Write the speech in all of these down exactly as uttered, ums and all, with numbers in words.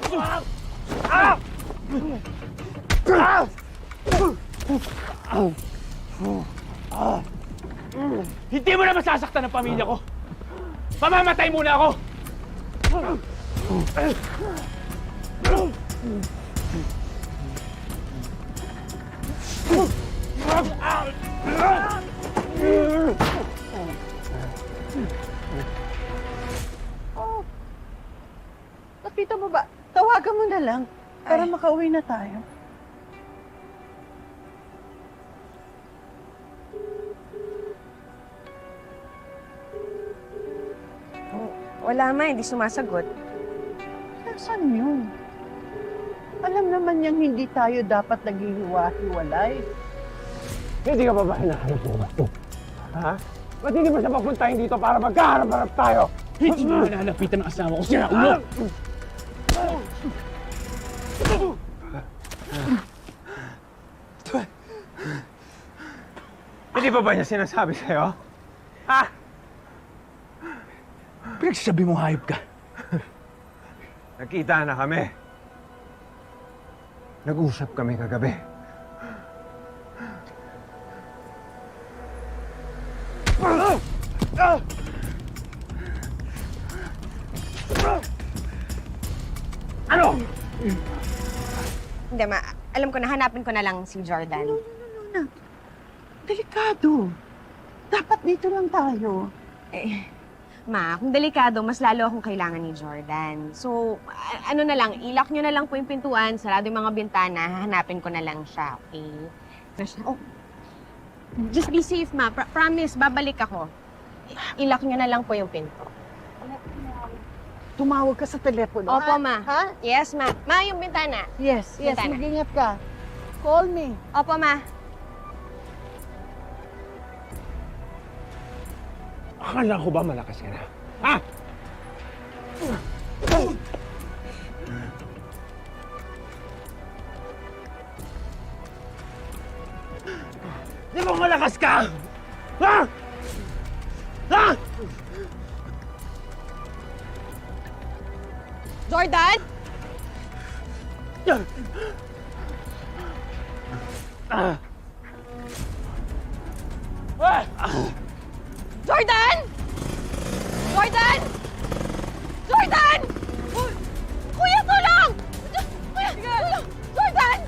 Hindi mo na masasaktan ang pamilya ko! Mamamatay muna ako! Oh, nakita mo ba? Tawagan mo na lang para Ay. makauwi na tayo. Wala ma, hindi sumasagot. Saan yun? Alam naman niyang hindi tayo dapat naghihiwa-hiwalay. Hindi ka pa ba hinahanap mo ba? Ha? Ba't hindi mo siya papuntahin dito para magkaharap-harap tayo? Hindi mo nalalapitan ang asawa ko siya, ulo! Hindi pa ba niya sinasabi sa'yo? Ha? Pinagsasabi mo hayop ka. Nakita na kami. Nag-usap kami kagabi. Ano? Hindi ma, alam ko na, hanapin ko na lang si Jordan. Delikado. Dapat dito lang tayo. Eh, ma, kung delikado, mas lalo akong kailangan ni Jordan. So, a- ano na lang, ilak nyo na lang po yung pintuan, sarado yung mga bintana, hahanapin ko na lang siya, okay? Oh, just be safe, ma. Pro- promise, babalik ako. I- ilak nyo na lang po yung pinto. Tumawag ka sa telepono. Opo, ha? ma. Ha? Yes, ma. Ma, yung bintana. Yes, yes. Bintana. Mag-ingat ka. Call me. Opo, ma. Akala ko ba malakas ka na? Ha? Di ba malakas ka? Ha? Ha? Jordan? Ah. Ah. Jordan! Jordan! Jordan! Uy! Kuya, tulong! Kuya, tulong! Jordan!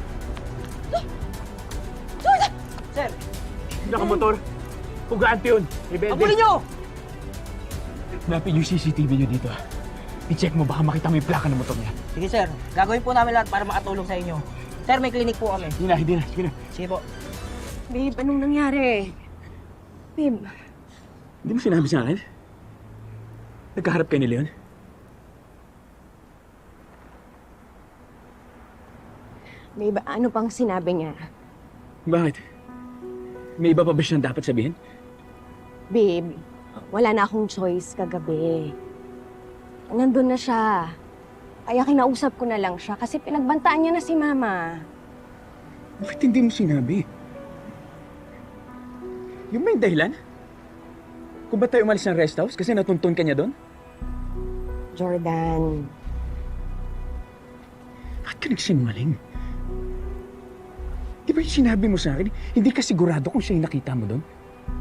Jordan! Sir, Nakamotor. Pugante yun. Rebelde. abulin nyo! Napin yung C C T V nyo dito. I-check mo, baka makita mo yung plaka ng motor niya. Sige sir, gagawin po namin lahat para makatulong sa inyo. Sir, may clinic po kami. Hindi na, hindi na. Sige na. Sige po. Babe, anong nangyari? Babe, Hindi mo sinabi sa akin? Nagkaharap kayo ni Leon? babe, ano pang sinabi niya? Bakit? May iba pa ba siyang dapat sabihin? Babe, wala na akong choice kagabi. Nandun na siya. Kaya kinausap ko na lang siya kasi pinagbantaan niya na si Mama. Bakit hindi mo sinabi? Yung may dahilan? Kung ba't tayo umalis ng rest house? Kasi natuntun ka niya doon? Jordan, Bakit ka nagsinungaling? Di ba yung sinabi mo sa akin, hindi ka sigurado kung siya yung nakita mo doon?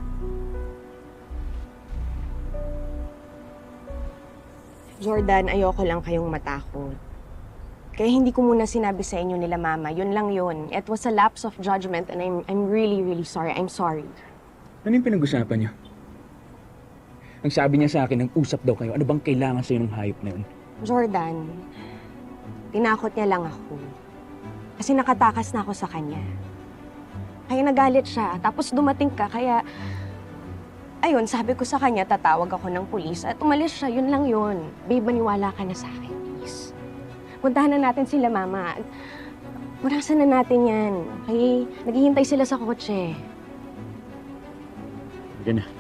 Jordan, ayoko lang kayong matakot. Kaya hindi ko muna sinabi sa inyo nila Mama. Yun lang yun. It was a lapse of judgment and I'm, I'm really, really sorry. I'm sorry. Ano yung pinag-usapan niyo? Ang sabi niya sa akin, nag-usap daw kayo. Ano bang kailangan sa'yo ng hayop na yun? Jordan, tinakot niya lang ako. Kasi nakatakas na ako sa kanya. Kaya nagalit siya. Tapos dumating ka, kaya... Ayun, sabi ko sa kanya, tatawag ako ng pulis at umalis siya. Yun lang yun. Babe, maniwala ka na sa akin, please. Puntahan na natin sila, Mama. Punasan na natin yan. Okay? Naghihintay sila sa kotse. Sige na.